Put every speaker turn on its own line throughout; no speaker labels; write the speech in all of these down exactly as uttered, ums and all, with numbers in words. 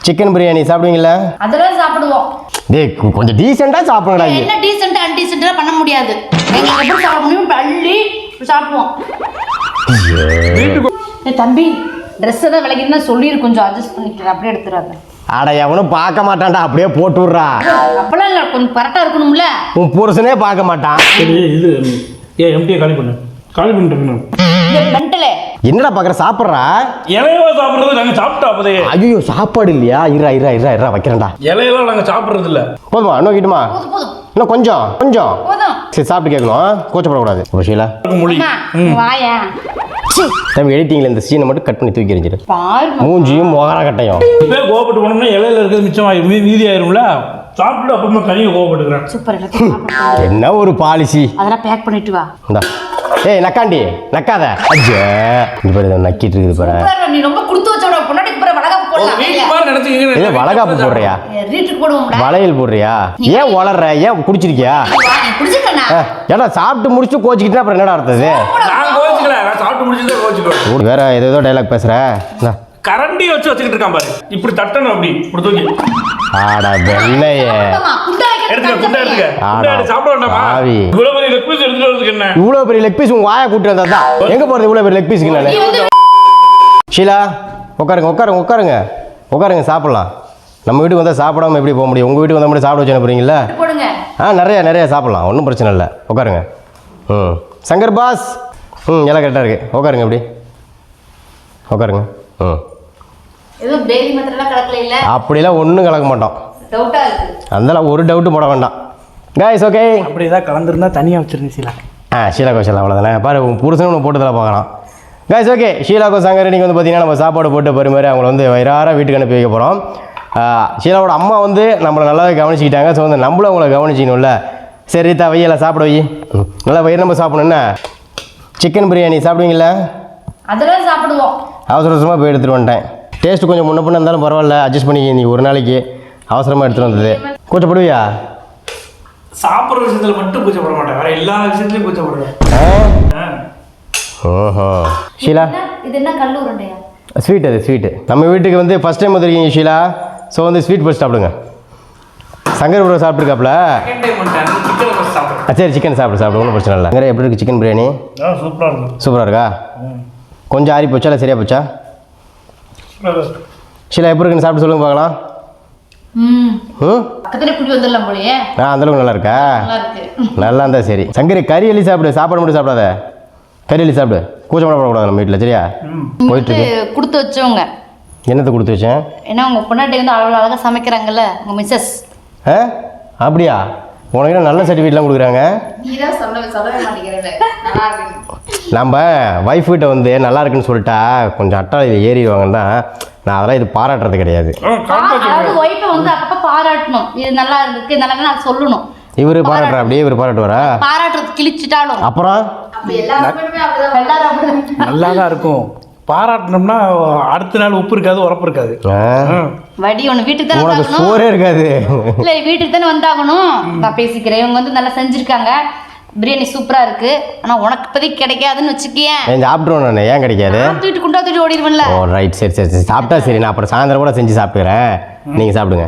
Chicken biryani சாப்பிடுவீங்களா?
அதெல்லாம் சாப்பிடுவோம்.
டேய் கொஞ்சம் டீசெண்டா சாப்பிடுங்கடா.
என்ன டீசெண்டா அன்டீசெண்டா பண்ண முடியாது. எங்க எப்படி சாப்பிட முடியும்? அள்ளி சாப்பிடுவோம். ஏய் தம்பி, ட்ரெஸ் எல்லாம் விலைக்குன்னா சொல்லி கொஞ்சம் அட்ஜஸ்ட் பண்ணிக்கிறேன், அப்படியே எடுத்துறாத.
அட எவனும் பார்க்க மாட்டான்டா, அப்படியே போட்டு விட்றா.
அப்பெல்லாம் இல்லை, கொஞ்சம் கரெக்டாக இருக்கணும்ல.
உன் புருஷனே பார்க்க மாட்டான்.
இது ஏ எம்டியை காலி பண்ணு, காலி பண்ணிட்டு
மென்டலே
என்னடா பார்க்குற? சாப்பிட்றா.
இலையவா சாப்பிட்றது நாங்கள் சாப்பிட்டா அப்போதே.
ஐயோ சாப்பாடு இல்லையா? இரா இரா இரா இரா வைக்கிறேன்டா.
இலையெல்லாம் நாங்கள் சாப்பிட்றது இல்லை.
போதுமா? இன்னும் கிட்டுமா?
போதும் போதும்
இன்னும் கொஞ்சம் கொஞ்சம்
போதும்.
சரி சாப்பிட்டு கேட்கணும், கூச்சப்படக்கூடாது. ஷீலா
மொழி
வாயா
தம்பி எடிட்டிங்கில் இந்த சீனை மட்டும் கட் பண்ணி தூக்கி எறிஞ்சிரு.
பாரு
மூஞ்சியும் மொகர கட்டையும்.
இப்போ கோவப்பட்டு போனோம்னா இலையில இருக்கிறது மிச்சம் ஆயிரும், மீ மீதி ஆயிரும்ல. சாப்பிட்டு அப்புறமா தனியாக கோவப்பட்டுக்கிறேன்.
சூப்பர், எல்லாத்தையும் சாப்பிடு.
என்ன ஒரு பாலிசி.
அதெல்லாம் பேக் பண்ணிட்டு வா.
இந்தா ஏய் நக்காண்டி நக்காத. அஜ்ஜே இந்த பாரு இதை நக்கிட்டு இருக்குது பாரு.
சூப்பர், நீ ரொம்ப கொடுத்து வச்சோட பொண்டாட்டிக்கு பிற வளகாப்பு போடலாம்.
இல்லை வளகாப்பு போடுறியா?
ரீட்டுக்கு போடுவோம்டா.
வளையல் போடுறியா? ஏன் வளர்ற? ஏன் குடிச்சிருக்கியா?
நீ குடிச்சிட்டனா?
ஏடா சாப்பிட்டு முடிச்சுட்டு கோச்சிக்கிட்டா அப்புறம் என்னடா அர்த்தது?
நான் கோச்சிக்கல, நான் சாப்பிட்டு முடிச்சுதான் கோச்சிக்குவேன்.
வேற ஏதோ டைலாக் பேசுற.
கரண்டி வச்சு வச்சுக்கிட்டு இருக்கான் பாரு, இப்படி தட்டணும், அப்படி இப்படி தூக்கி.
ஆடா வெள்ளையே
எடுத்துக்க, குண்டா எடுத்துக்க. குண்டா எடுத்து சாப்பிட வேண்டாமா?
ஆவி
இவ்வளவு பெரிய லெக் பீஸ் எடுத்துட்டு வரதுக்கு என்ன?
இவ்வளவு பெரிய லெக் பீஸ் உங்க வாயை கூட்டி வந்தா தான். எங்க போறது இவ்வளவு பெரிய லெக் பீஸ்க்கு? நானு ஷீலா உட்காருங்க உட்காருங்க உட்காருங்க உட்காருங்க சாப்பிடலாம். நம்ம வீட்டுக்கு வந்தால் சாப்பிடாம எப்படி போக முடியும்? உங்கள் வீட்டுக்கு வந்தால் மட்டும் சாப்பிட வச்சு அனுப்புறீங்களா?
போடுங்க.
ஆ நிறையா நிறையா சாப்பிடலாம், ஒன்றும் பிரச்சனை இல்லை. உட்காருங்க. ம் சங்கர் பாஸ். ம் எல்லாம் கரெக்டாக இருக்குது. உட்காருங்க எப்படி உட்காருங்க. ம்
ஏதோ பேபி மத்தெல்லாம் கலக்கல இல்ல?
அப்படிலாம் ஒன்றும் கலக்க மாட்டோம்.
டவுட்டா இருக்கு.
அதெல்லாம் ஒரு டவுட்டும் போட வேண்டாம். Guys okay.
அப்படி ஏதாவது கலந்துருந்தா தனியாக வச்சிருந்தேன் ஷீலா.
ஆ ஷீலா கோஷல் அவ்வளோதானே. பாரு உங்கள் புருஷனும் ஒன்று போட்டு தலை பார்க்கலாம். காய்ஸ் ஓகே, ஷீலாக்கோ சங்கர் இன்றைக்கி வந்து பார்த்தீங்கன்னா நம்ம சாப்பாடு போட்டு பரிமாறி அவங்கள வந்து வயிறார வீட்டுக்கு அனுப்பி வைக்க போகிறோம். ஷீலாவோட அம்மா வந்து நம்மளை நல்லாவே கவனிச்சிக்கிட்டாங்க. ஸோ வந்து நம்மளும் அவங்கள கவனிச்சிக்கணும்ல. சரி ரீதா வையெல்லாம் சாப்பிட வை. நல்லா வயிறு நம்ம சாப்பிடணுன்னா சிக்கன் பிரியாணி சாப்பிடுவீங்களா?
அதெல்லாம் சாப்பிடுவோம்.
அவசர அவசரமாக போய் எடுத்துகிட்டு வந்துட்டேன். டேஸ்ட்டு கொஞ்சம் முன்ன பின்ன இருந்தாலும் பரவாயில்ல, அட்ஜஸ்ட் பண்ணிக்க. நீ ஒரு நாளைக்கு அவசரமாக எடுத்துகிட்டு வந்தது. கூச்சப்படுவியா?
சாப்பிட்ற விஷயத்தில் மட்டும் கூச்சப்பட மாட்டேன், வேற எல்லா விஷயத்துலையும் கூச்சப்படுவேன்.
ஓஹோ ஷீலா
இது என்ன கல்லு உருண்டையா?
ஸ்வீட். அது ஸ்வீட்டு. நம்ம வீட்டுக்கு வந்து ஃபஸ்ட் டைம் வந்துருக்கீங்க ஷீலா. ஸோ வந்து ஸ்வீட் ஃபஸ்ட் சாப்பிடுங்க. சங்கர் ப்ரோ சாப்பிட்ருக்காப்ல. சரி சிக்கன் சாப்பிடு சாப்பிடு, ஒன்றும் பிரச்சனை இல்லை. சங்கர் எப்படி இருக்குது சிக்கன் பிரியாணி?
சூப்பராக இருக்கும்.
சூப்பராக இருக்கா? கொஞ்சம் ஆறி போச்சா இல்லை சரியா போச்சா? ஷீலா எப்படி இருக்குன்னு சாப்பிட்டு சொல்லுங்க பார்க்கலாம்.
ம்
ம்
பக்கத்துல குடி வந்துடலாம் போலயே.
ஆ அந்தளவுக்கு நல்லா இருக்கா?
நல்லா இருக்கு.
நல்லா இருந்தா சரி. சங்கரி கறி எள்ளி சாப்பிடு, சாப்பாடு மட்டும் சாப்பிடாத. கறி எள்ளி சாப்பிடு, கூச்சப்பட போடக்கூடாது நம்ம வீட்டில். சரியா? போயிட்டு இருக்கு.
கொடுத்து வச்சவங்க
என்னத்தை கொடுத்து வச்சேன்?
ஏன்னா உங்க பொண்டாட்டி வந்து அவ்வளோ அழகாக சமைக்கிறாங்கல்ல உங்க மிஸ்ஸஸ்.
ஆ அப்படியா? உனக்கு நல்ல சர்டிஃபிகேட்லாம் கொடுக்குறாங்க.
நீதான் சொல்ல சொல்லவே மாட்டேங்கிறேன். நல்லா இருக்கு.
நம்ம ஒய்ஃப் கிட்ட வந்து நல்லா இருக்குன்னு சொல்லிட்டா கொஞ்சம் அட்டாளையில் ஏறிடுவாங்கன்னா நான் அதெல்லாம் இது பாராட்டுறது கிடையாது.
அதாவது ஒய்ஃபை வந்து அப்பப்போ பாராட்டணும். இது நல்லா இருக்கு நல்லா நான் சொல்லணும்.
இவர் பாராட்டுறா அப்படியே? இவர் பாராட்டுவாரா?
பாராட்டுறது கிழிச்சிட்டாலும்
அப்புறம்
நல்லா தான் இருக்கும். பாராட்டினோம்னா அடுத்த நாள் உப்பு இருக்காது, உரப்பு இருக்காது.
வடி ஒன்று வீட்டுக்கு தானே
உனக்கு
வந்தாகணும்.
சோறே இருக்காது.
இல்லை வீட்டுக்கு தானே வந்தாகணும். நான் பேசிக்கிறேன். இவங்க வந்து நல்லா செஞ்சுருக்காங்க. பிரியாணி சூப்பராக இருக்கு. ஆனால் உனக்கு இப்போதைக்கு கிடைக்காதுன்னு வச்சுக்கேன்.
ஏன் சாப்பிட்ருவோம் நான்? ஏன் கிடைக்காது?
தூக்கிட்டு குண்டா தூக்கிட்டு ஓடிடுவேன்ல.
ஓ ரைட் சரி சரி சரி சாப்பிட்டா சரி. நான் அப்புறம் சாயந்தரம் கூட செஞ்சு சாப்பிட்டுக்கிறேன், நீங்கள் சாப்பிடுங்க.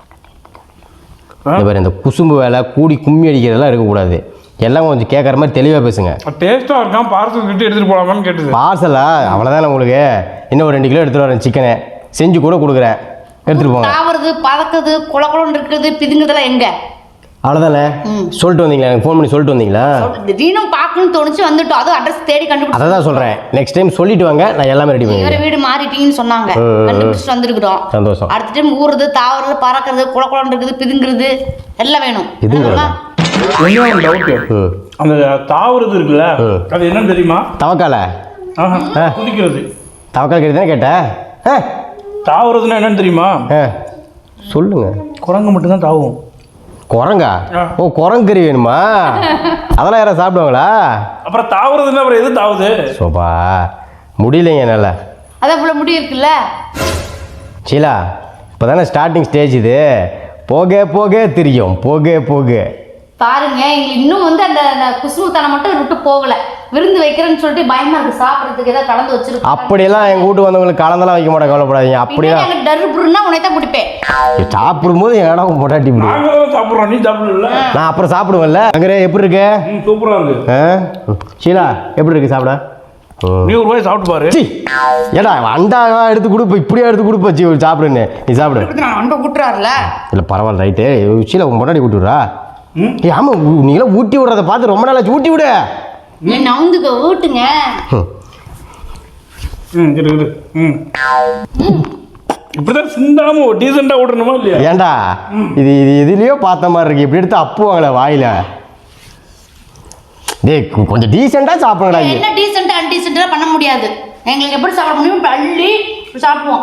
இந்த மாதிரி இந்த குசும்பு வேலை கூடி கும்மி அடிக்கிறதெல்லாம் இருக்கக்கூடாது. எல்லாம் கொஞ்சம் கேட்குற மாதிரி தெளிவாக பேசுங்க.
டேஸ்ட்டாக இருக்கான், பார்சல் கிட்ட எடுத்துகிட்டு போகலாமான்னு கேட்டுது.
பார்சலா? அவ்வளோதான் உங்களுக்கு. இன்னும் ஒரு ரெண்டு கிலோ எடுத்துகிட்டு வரேன். சிக்கனை செஞ்சு கூட கொடுக்குறேன், எடுத்துகிட்டு போங்க.
தாவறது பறக்குது குள குளம்னு இருக்குது பிதுங்குதெல்லாம் எங்க?
அவ்வளோதானே சொல்லிட்டு வந்தீங்களா? எனக்கு ஃபோன் பண்ணி சொல்லிட்டு வந்தீங்களா?
திடீர்னு பார்க்கணும்னு தோணுச்சு வந்துட்டோம். அதுவும் அட்ரஸ் தேடி கண்டுபிடிச்சு.
அதை தான் சொல்கிறேன். நெக்ஸ்ட் டைம் சொல்லிட்டு வாங்க, நான் எல்லாமே ரெடி
வேற
பண்ணி.
வீடு மாறிட்டீங்கன்னு சொன்னாங்க, கண்டுபிடிச்சிட்டு வந்துருக்குறோம்.
சந்தோஷம்.
அடுத்த டைம் ஊறுறது தாவறது பறக்கிறது குள குளம்னு இருக்குது பிதுங்குறது எல்லாம் வேணும்.
இதுங்கிறதா?
ஒன்றும் டவுட்டு, அந்த தாவறது இருக்குல்ல அது என்னன்னு தெரியுமா?
தவக்கால
குதிக்கிறது.
தவக்கால் கேட்டு தானே கேட்டேன்.
தாவறதுன்னா என்னன்னு தெரியுமா?
சொல்லுங்க.
குரங்கு மட்டும்தான் தாவும்.
குரங்கா? ஓ குரங்கறி வேணுமா? அதெல்லாம் யாராவது சாப்பிடுவாங்களா?
அப்புறம் தாவறதுன்னா அப்புறம் எது தாவுது?
சோபா முடியலைங்க என்னால்.
அதான் இவ்வளோ முடி இருக்குல்ல
ஷீலா. இப்போ தானே ஸ்டார்டிங் ஸ்டேஜ் இது. போக போக தெரியும், போக போக
பாருங்க. எங்களுக்கு இன்னும் வந்து அந்த குசுமுத்தனம் மட்டும் விட்டு போகலை. விருந்து வைக்கிறேன்னு சொல்லிட்டு பயமா இருக்கு சாப்பிட்றதுக்கு ஏதாவது கலந்து வச்சிருக்கோம்.
அப்படியெல்லாம் எங்கள் வீட்டுக்கு வந்தவங்களுக்கு கலந்தெல்லாம் வைக்க மாட்டேன், கவலைப்படாதீங்க. அப்படியே
எனக்கு டர்புருன்னா உன்னை தான் பிடிப்பேன்.
சாப்பிடும்போது என் இடம் பொட்டாட்டி பிடி.
நாங்களும் சாப்பிட்றோம், நீ சாப்பிடல.
நான் அப்புறம் சாப்பிடுவேன்ல. அங்கே எப்படி இருக்கு?
சூப்பரா இருக்கு.
ஷீலா எப்படி இருக்கு சாப்பிட?
நீ ஒரு வாய் சாப்பிட்டு பாரு.
ஏடா அண்டா எடுத்து கொடுப்ப, இப்படியா எடுத்து கொடுப்பச்சி சாப்பிடுன்னு. நீ சாப்பிடு.
அண்டை கூட்டுறாருல.
இல்லை பரவாயில்ல, ரைட்டு. ஷீலா உன் பொட்டாட்டி ஊட்டி விடுறா. ஏ ஆமாம், நீங்களாம் ஊட்டி விடுறத பார்த்து ரொம்ப நாளாச்சு. ஊட்டி விடு.
என்ன நவுந்துக்க ஊட்டுங்க.
ம் இரு இரு ம் இப்படிதான் சிந்தாம டீசெண்டா ஓடணுமா இல்லையா?
ஏண்டா இது இது எதுலயோ பார்த்த மாதிரி இருக்கு. இப்படி எடுத்து அப்புவாங்களே வாயில. டேய் கொஞ்சம் டீசெண்டா சாப்பிடுங்கடா.
என்ன டீசெண்டா அன்டீசெண்டா பண்ண முடியாது. எங்களுக்கு எப்படி சாப்பிட முடியும்? அள்ளி சாப்பிடுவோம்.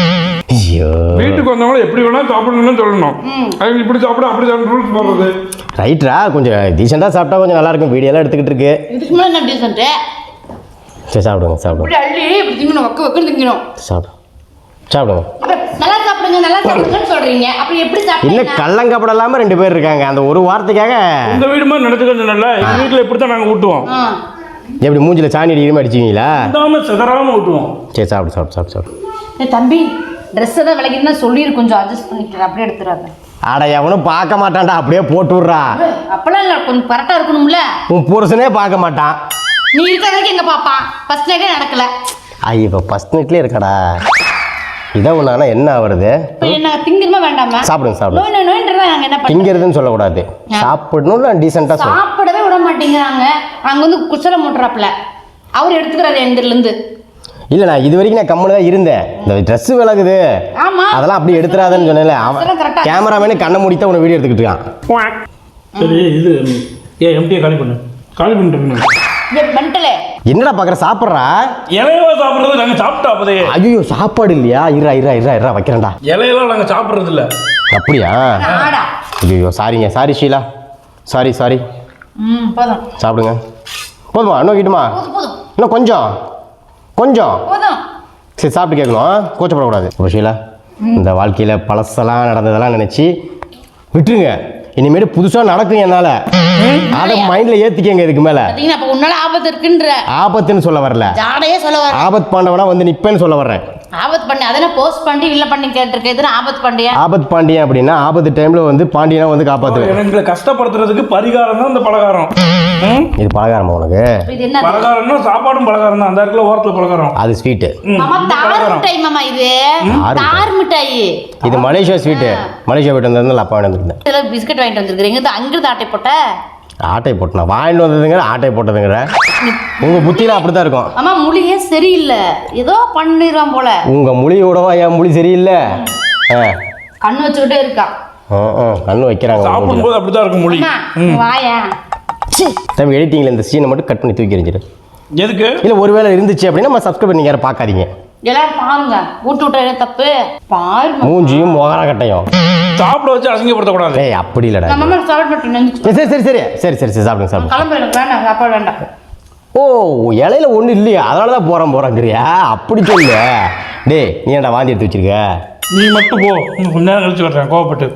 ஐயோ,
வீட்டுக்கு வந்தவங்க எப்படி வேணா சாப்பிடணும்னு சொல்லணும். அவங்க இப்படி சாப்பிட அப்படி சாப்பிட ரூல்ஸ் போடுறது
ரைட்ரா. கொஞ்சம் டீசெண்டா சாப்பிட்டா கொஞ்சம் நல்லா இருக்கும். வீடியோலாம் எடுத்துக்கிட்டு இருக்கு.
இதுக்கு மேலே என்ன டீசெண்ட்?
சரி சாப்பிடுங்க சாப்பிடுங்க.
இப்படி அள்ளி இப்படி திங்கணும், வக்க வக்கன்னு திங்கணும்.
சாப்பிடு சாப்பிடுங்க.
நல்லா சாப்பிடுங்க நல்லா சாப்பிடுங்கன்னு சொல்றீங்க. அப்படி எப்படி
இல்லை
சாப்பிடுங்க?
கள்ளங்கப்படம் இல்லாமல் ரெண்டு பேர் இருக்காங்க. அந்த ஒரு வார்த்தைக்காக
உங்க வீடு மாதிரி நடத்துக்கிறது நல்ல. எங்க வீட்டில் இப்படி தான் நாங்கள் ஊட்டுவோம்.
எப்படி மூஞ்சில சாணி அடிக்கிற அடிச்சிங்களா?
சிந்தாம சிதறாம ஊட்டுவோம்.
சரி சாப்பிடு சாப்பிடு சாப்பிடு சாப்பிடு.
தம்பி ட்ரெஸ் தான் விலைக்குன்னா சொல்லி கொஞ்சம் அட்ஜஸ்ட் பண்ணிக்கிறேன். அப்படியே எடுத்துறாங்க.
ஆட எவனும் பார்க்க மாட்டான்டா, அப்படியே போட்டு விட்றா.
அப்பெல்லாம் இல்லை, கொஞ்சம் கரெக்டாக இருக்கணும்ல.
உன் புருஷனே பார்க்க மாட்டான்.
நீ இருக்கிற வரைக்கும் எங்க பாப்பான்? ஃபர்ஸ்ட் நைட்டே நடக்கல.
ஐயோ இப்போ ஃபர்ஸ்ட் நைட்லேயே இருக்கடா. இதை ஒன்றானா என்ன ஆகுறது?
இப்போ என்ன திங்கணுமா வேண்டாமா?
சாப்பிடுங்க சாப்பிடுங்க.
நோய் நோய் நோயின்றதை நாங்கள் என்ன பண்ண?
திங்கிறதுன்னு சொல்லக்கூடாது, சாப்பிடணும்ல டீசெண்டாக சொல்லு.
சாப்பிடவே விட மாட்டேங்கிறாங்க. அங்கே வந்து குச்சலை மூட்டுறாப்புல அவர் எடுத்துக்கிறாரு எந்திரிலேருந்து.
இல்லை நான் இது வரைக்கும் நான் கம்முன்னு தான் இருந்தேன். இந்த ட்ரெஸ்ஸு விலகுது
ஆமா
அதெல்லாம் அப்படி எடுத்துறாதன்னு சொன்னேன்ல. அவன் கேமராமேனு கண்ணை முடித்தான் உன்னை வீடியோ எடுத்துக்கிட்டு இருக்கான்.
சரி இது ஏன் எம்டியை காலி பண்ணு. காலி பண்ணிட்டு
மென்டலே
என்னடா பார்க்குற? சாப்பிட்றா.
இலையவா சாப்பிட்றது நாங்கள் சாப்பிட்டோம் அப்போதே.
ஐயோ சாப்பாடு இல்லையா? இரா இரா இரா இரா வைக்கிறேன்டா.
இலையெல்லாம் நாங்கள் சாப்பிட்றது இல்லை.
அப்படியா?
ஆடா.
ஐயோ சாரிங்க, சாரி ஷீலா, சாரி சாரி.
ம் போதும்
சாப்பிடுங்க. போதுமா? இன்னும் கிட்டுமா?
போதும் போதும்
இன்னும் கொஞ்சம் கொஞ்சம்
போதும்.
சரி சாப்பிட்டு கேட்கணும், கூச்சப்படக்கூடாது. ஒரு ஷீலா, இந்த வாழ்க்கையில் பழசெல்லாம் நடந்ததெல்லாம் நினச்சி விட்டுருங்க. இனிமேட்டு புதுசாக நடக்கும் என்னால். அதை மைண்டில் ஏற்றிக்கங்க. இதுக்கு மேலே
பார்த்தீங்கன்னா அப்போ உன்னால ஆபத்து இருக்குன்ற.
ஆபத்துன்னு சொல்ல வரல,
ஜாடையே சொல்ல வர.
ஆபத் பாண்டவனா வந்து நிற்பேன்னு சொல்ல வர்றேன்.
ஆபத்து பண்ணி அதெல்லாம் போஸ்ட் பண்ணி இல்லை பண்ணி கேட்டிருக்கேன். எதுனா ஆபத்து பண்ணியா?
ஆபத் பாண்டியன் அப்படின்னா ஆபத்து டைமில் வந்து பாண்டியனா வந்து காப்பாற்றுவேன்.
எங்களை கஷ்டப்படுத்துறதுக்கு பரிகாரம் தான் இந்த பலகாரம்.
இது பலகாரமா உனக்கு?
இது என்ன?
பலகாரம்னா சாப்பாடும் பலகாரம் தான். அந்த இடத்துல ஓரத்தில் பலகாரம்.
அது ஸ்வீட்டு.
மாமா தார் மிட்டாய் மாமா. இது தார் மிட்டாய்.
இது மலேசியா ஸ்வீட்டு. மலேசியா வீட்டு வந்ததுனால அப்பா வாங்கிட்டு வந்திருந்தேன்.
இதில் பிஸ்கட் வாங்கிட்டு வந்துருக்குறீங்க. இது அங்கிருந்து ஆட்டை போட்ட
ஆட்டை போட்டனா வாங்கிட்டு வந்ததுங்கிற ஆட்டை போட்டதுங்கிற உங்கள் புத்தியில் அப்படி தான் இருக்கும்.
ஆமா மொழியே சரியில்லை. ஏதோ பண்ணிடுவான் போல.
உங்கள் மொழியோடவா என் மொழி சரியில்லை? ஆ
கண்ணு வச்சுக்கிட்டே இருக்கான்.
ஆ ஆ கண்ணு வைக்கிறாங்க.
சாப்பிடும்போது அப்படிதான் இருக்கும் மொழி.
வாயா
தம்பி எடிட்டிங்கில் இந்த சீனை மட்டும் கட் பண்ணி தூக்கி எறிஞ்சிடு.
எதுக்கு?
இல்லை ஒருவேளை இருந்துச்சு அப்படின்னா நம்ம சப்ஸ்கிரைப் பண்ணி யாரும் பார்க்காதீங்க.
எல்லாரும் பாருங்க. ஊட்டு விட்ட தப்பு பாருங்க.
மூஞ்சியும் மொகர கட்டையும்
சாப்பிட வச்சு அசிங்கப்படுத்தக்கூடாது.
ஏய் அப்படி இல்லைடா.
நம்ம அம்மா சாப்பிட மாட்டேன்.
சரி சரி சரி சரி சரி சரி சாப்பிடுங்க சாப்பிடுங்க.
கிளம்பு. எனக்கு வேண்டாம் சாப்பாடு வேண்டாம்.
ஓ இலையில ஒன்றும் இல்லையா? அதனால தான் போகிறேன் போகிறேங்கிறியா? அப்படி சொல்லு. டேய் நீ ஏன்டா வாந்தி எடுத்து வச்சிருக்க?
நீ மட்டும் போ, இன்னும் கொஞ்ச நேரம் கழிச்சு வர்றேன் கோவப்பட்டு.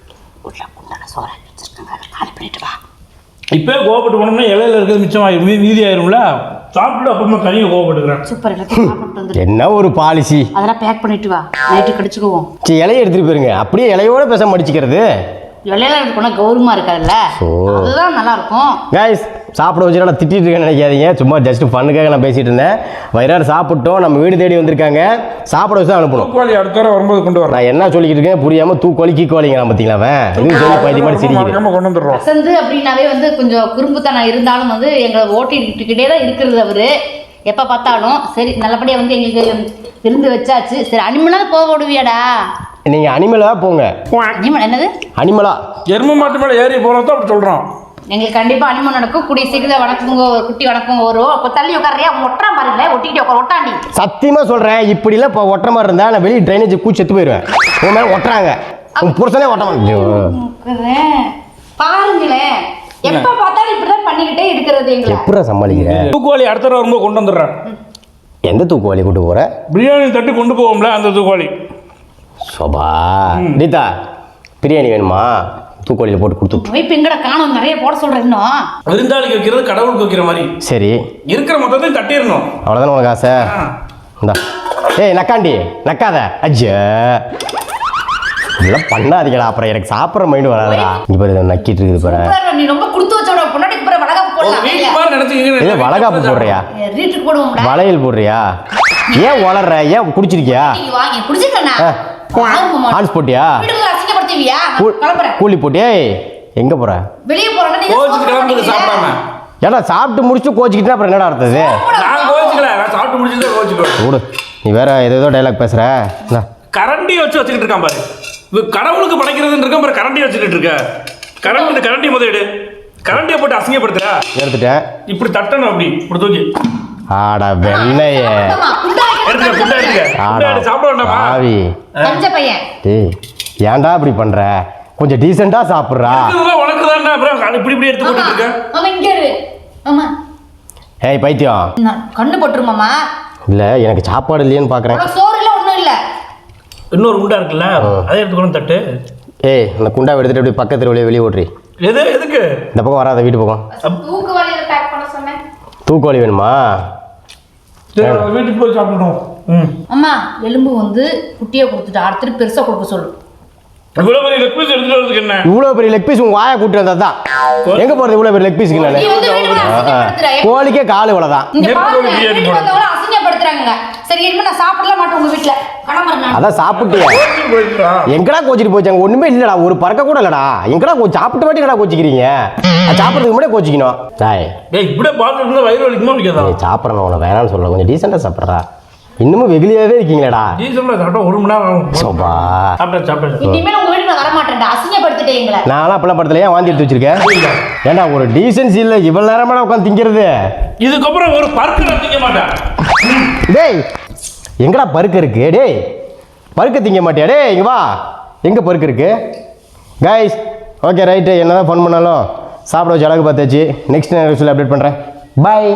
இப்போ கோவப்பட்டு போனோம்னா இலையில இருக்கிறது மிச்சமாயிரும், மீ மீதி ஆயிரும்ல. சாப்பிட்டு அப்புறமா தனியாக கோவப்பட்டுக்கிறேன்.
சூப்பர். எல்லாத்தையும் சாப்பிட்டு வந்து
என்ன ஒரு பாலிசி.
அதெல்லாம் பேக் பண்ணிட்டு வா. நைட்டு கடிச்சுக்குவோம்.
சரி இலையை எடுத்துகிட்டு போயிருங்க. அப்படியே இலையோட பேச மடிச்சுக்கிறது.
இலையில இருக்கணும் கௌரவமா இருக்காதுல்ல, அதுதான் நல்லா இருக்கும்.
கைஸ் சாப்பிட வச்சு நான் திட்டிட்டு இருக்கேன்னு நினைக்காதீங்க. சும்மா ஜஸ்ட் ஃபண்ணுக்காக நான் பேசிட்டு இருந்தேன். வயிறாறு சாப்பிட்டோம், நம்ம வீடு தேடி வந்திருக்காங்க. சாப்பிட வச்சு தான் அனுப்பணும்.
தூக்குவாளி அடுத்த தடவை வரும்போது கொண்டு வரேன்.
நான் என்ன சொல்லிக்கிட்டு இருக்கேன் புரியாம தூக்கோலி கீக்கோலிங்க பார்த்தீங்களா? அவன் இது சொல்லி பைத்திய மாதிரி சிரிக்கிறேன்.
கொண்டு வந்துடுறோம்.
வசந்து அப்படின்னாவே வந்து கொஞ்சம் குறும்புத்தனம் இருந்தாலும் வந்து எங்களை ஓட்டிக்கிட்டே தான் இருக்கிறது அவரு. எப்போ பார்த்தாலும் சரி நல்லபடியாக வந்து எங்களுக்கு விருந்து வச்சாச்சு. சரி அனிமலாக போக விடுவியாடா?
நீங்க அனிமலா போங்க.
அனிமல் என்னது?
அனிமலா
எருமை மாட்டு மேலே ஏறி போகிறதோ அப்படி சொல்கிறோம்.
எங்களுக்கு கண்டிப்பாக அனிமல் நடக்கும். கூடிய சீக்கிரம் வணக்கங்க ஒரு குட்டி வணக்கங்க வரும். அப்போ தள்ளி உட்காரியா ஒட்டுறான் பாருங்களேன். ஒட்டிக்கிட்டு உட்கார ஒட்டாண்டி.
சத்தியமா சொல்றேன், இப்படிலாம் இப்போ ஒட்டுற மாதிரி இருந்தா நான் வெளியே ட்ரைனேஜ் கூச்சி செத்து போயிடுவேன். உன் மேலே ஒட்டுறாங்க. உன் புருஷனே ஒட்ட மாட்டேன்.
பாருங்களேன் எப்போ பார்த்தாலும் இப்படிதான் பண்ணிக்கிட்டே இருக்கிறது. எங்களை
எப்படா சமாளிக்கிறேன்?
தூக்குவாளி அடுத்த தடவை வரும்போது கொண்டு வந்துடுறேன்.
எந்த தூக்குவாளி கூட்டு போற?
பிரியாணி தட்டு கொண்டு போவோம்ல அந்த தூக்குவாளி.
சோபா நீதா பிரியாணி வேணுமா தூக்கோழியில் போட்டு கொடுத்துட்டு
வைப்பு எங்கட காணும் நிறைய போட சொல்கிறேன் இன்னும்.
விருந்தாளிக்கு வைக்கிறது கடவுளுக்கு வைக்கிற மாதிரி
சரி
இருக்கிற மொத்தத்தையும் தட்டிடணும்.
அவ்வளோதானே உனக்கு ஆசை இந்தா ஏய் நக்காண்டி நக்காத அஜ்ஜா இதெல்லாம் பண்ணாதீங்களா அப்புறம் எனக்கு சாப்பிட்ற மைண்டு வராதுடா இங்கே பாரு இதை நக்கிட்டு இருக்குது பாரு
சூப்பரா நீ ரொம்ப கொடுத்து வச்சோட பொண்டாட்டிக்கு பிற வளகாப்பு போடலாம்
வீட்டு மாதிரி நினைச்சுக்கீங்க.
இல்லை வளகாப்பு போடுறியா
ரீட்டுக்கு போடுவோம்டா.
வளையல் போடுறியா ஏன் வளர்ற ஏன் குடிச்சிருக்கியா
நீங்க வாங்க குடிச்சிட்டேனா
ஆ. ஹான்ஸ் போட்டியா
வீட்டுக்கு அசிங்கப்படுத்துவியா?
கூ-
கிளம்புறேன்.
கூலி போட்டியா ஏய் எங்கே போகிற
வெளியே போறேன்னா நீங்க
கோச்சுட்டு கிளம்புறது சாப்பிடாம.
ஏன்னா சாப்பிட்டு முடிச்சு கோச்சிக்கிட்டா அப்புறம் என்னடா அர்த்தது
நான் கோச்சுக்கல, நான் சாப்பிட்டு முடிச்சுட்டு தான் கோச்சுக்குவேன்.
விடு நீ வேற ஏதோ ஏதோ டைலாக் பேசுற இந்தா.
கரண்டி வச்சு வச்சுக்கிட்டு இருக்கான் பாரு. இவ கடவுளுக்கு படைக்கிறதுன்னு இருக்கான் பாரு, கரண்டி வச்சுக்கிட்டு இருக்க. கரண்டி இந்த கரண்டி முதலிடு. கரண்டியை போட்டு அசிங்கப்படுத்துற.
எடுத்துட்டேன்
இப்படி தட்டணும், அப்படி இப்படி தூக்கி
ஆடா வெண்ணையே
ஆமா, குண்டா வைக்க
எடுத்துக்க, குண்டா எடுத்துக்க. குண்டா
ஆடா
எடுத்து சாப்பிட வேண்டாமா?
ஆவி
கஞ்ச பையன்.
டேய் ஏன்டா இப்படி பண்ற கொஞ்சம் டீசெண்டா சாப்பிட்றா
இதுதான் உனக்கு தானே, அப்புறம் இப்படி இப்படி எடுத்து போட்டுட்டு இருக்க.
ஆமா இங்க இரு. ஆமா
ஏய் பைத்தியம்
நான் கண்ணு பட்டுருமாமா.
இல்லை எனக்கு சாப்பாடு இல்லையேன்னு பார்க்குறேன்
உனக்கு சோறு இல்ல ஒண்ணும் இல்ல.
இன்னொரு குண்டா இருக்குல்ல, அதை எடுத்துக்கணும் தட்டு.
ஏய் அந்த குண்டாவை எடுத்துட்டு அப்படி பக்கத்து வெளியே வெளியே ஓட்டுறி
எது எதுக்கு?
இந்த பக்கம் வராத வீட்டு பக்கம்
தூக்கு வலையில பேக் பண்ண சொன்னேன்.
தூக்கோழி வேணுமா
சரி, வீட்டுக்கு போய் சாப்பிடணும். ம்
அம்மா எலும்பு வந்து குட்டியை கொடுத்துட்டு அடுத்து பெருசா கொடுக்க சொல்லு.
இவ்வளவு பெரிய லெக் பீஸ் எடுத்துட்டு வரதுக்கு என்ன?
இவ்வளோ பெரிய லெக் பீஸ் உங்கள் வாயை கூட்டி வந்தா தான் எங்கே போகிறது இவ்வளோ பெரிய லெக் பீஸுக்கு நான்
நீ வந்து வீட்டுக்குள்ள அசிங்கப்படுத்துற.
கோழிக்கே கால் இவ்வளோதான்
இங்க
நெருப்பு
பாருங்க,
கோழி பிரியாணி
வீட்டுக்கு வந்தவங்கள அசிங்கப்படுத்துறாங்க. சரி இனிமே நான் சாப்பிடல மாட்டேன் உங்க வீட்டுல. கிளம்புறேன் நான்.
அதான் சாப்பிட்டியா
கோச்சுட்டு போயிட்டா?
எங்கடா கோச்சிட்டு போச்சாங்க ஒண்ணுமே இல்லடா ஒரு பறக்க கூட இல்லடா எங்கடா கோ சாப்பிட்டு வாட்டி கடா கோச்சிக்கிறீங்க அது சாப்பிட்றதுக்கு முன்னாடியே கோச்சிக்கணும் டாய்
டேய், இப்படியே பார்த்துட்டு இருந்தா வயிறு வலிக்குமா வலிக்காதா?
நீ சாப்பிட்றணும் உன வேணாம்னு சொல்ல கொஞ்சம் டீசெண்டாக சாப்பிட்றா இன்னமும் வெகுலியாவே இருக்கீங்களேடா
டீசல்ல சாப்பிட்டா ஒரு மணி நேரம் ஆகும்.
சோபா
சாப்பிட்டேன் சாப்பிட்டேன்.
இனிமேல் உங்க வீட்டுக்கு நான் வர மாட்டேன்டா. அசிங்கப்படுத்திட்டே எங்களை.
நான்லாம் அப்பெல்லாம் படத்துல ஏன் வாந்தி எடுத்து வச்சிருக்கேன் ஏன்டா ஒரு டீசென்சி இல்லை இவ்வளோ நேரமான உட்காந்து திங்கிறது
இதுக்கப்புறம் ஒரு பருக்கு நான் திங்க மாட்டேன்.
டேய் எங்கடா பருக்கு இருக்கு டேய் பருக்கு திங்க மாட்டியா டேய் இங்க வா எங்கே பருக்கு இருக்கு கைஸ் ஓகே ரைட்டு என்ன தான் ஃபன் பண்ணாலும் சாப்பிட வச்சு அழகு பார்த்தாச்சு நெக்ஸ்ட் நேரம் அப்டேட் பண்ணுறேன் பாய்